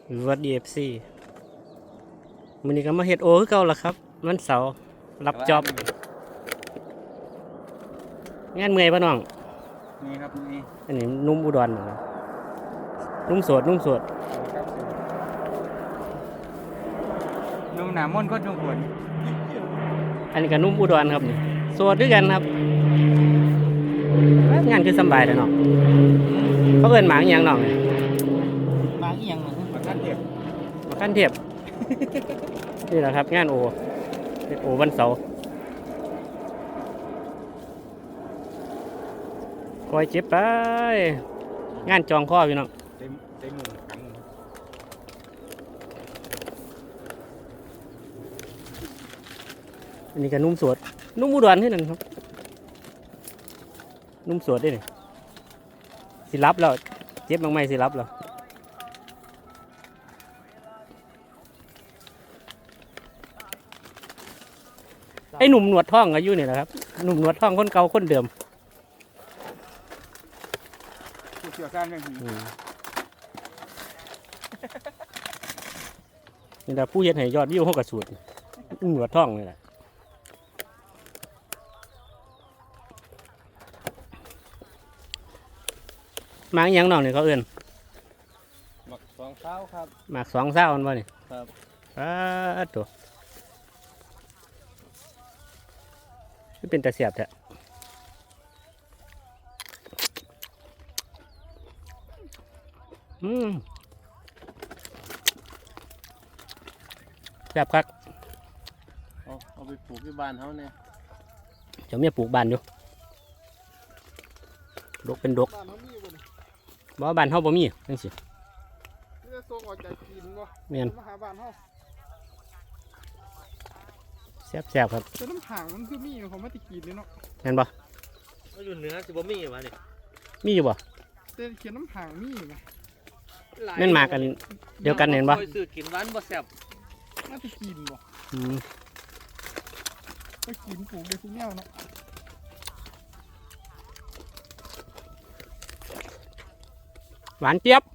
วัดดีFCมื้อนี้ก็มาเฮ็ดโอคือเก่าล่ะครับวันเสาร์รับจ็อบงานเมื่อยป่ะน้องนี่ครับนี่อันนี้นุ่มอุดรนะนุ่มโสดครับนุ่มหนามนก็นุ่มผลอันนี้ก็นุ่มอุดรครับนี่โสดด้วยกันครับงานคือสบายแต่น้องเขาเอิ้นหมาอีหยังน้องมาอีหยังมาขั้นเทียบมาขั้นเทียบนี่แหละครับงานโอเฮ็ดโอวันเสาร์คอยเจ็บไปงานจองข้อพี่น้องได้หมุนขังอันนี้ก็นุ่มสวดนุ่มอุดรที่นั่นครับนุ่มสวดได้เลยสิรับแล้วเจ็บบ้างไหมสิรับแล้วไอ้หนุ่มหนวดท่องอายุนี่แหละครับหนุ่มหนวดท่องคนเก่าคนเดิมผู้เชี่ยวชาญเรื่องนี้นี่แหละผู้เฮ็ดให้ยอดวิวเขากระสุดหนวดท่องนี่แหละหมากยังน้องนี่เขาเอื้อนหมักสองเท้าครับหมาก2 เศร้าอันบ่นี่ครับตัวนี่เป็นตาเสียบแท้แซ่บคักเอาไปปลูกที่บ้านเขาเนี่ยจะมีปลูกบ้านอยู่ดกเป็นดกบ่บ้านเฮาบ่มีจังซี่จะส่งออกจากกินบ่แม่นมาหาบ้านเฮาแซ่บครับแต่น้ำห่างมันคือมีของมาติกินเลยเนาะแม่นบ่ก็อยู่เหนือสิบ่มีวะนี่มีอยู่บ่แต่เขียนน้ำห่างมีอยู่นะแม่นมากันเดียวกันเห็นบ่ซื้อกินหวานบ่แซ่บมาติกินบ่ก็กินปลูกได้ทุกแนวเนาะหวานเจี๊ยบ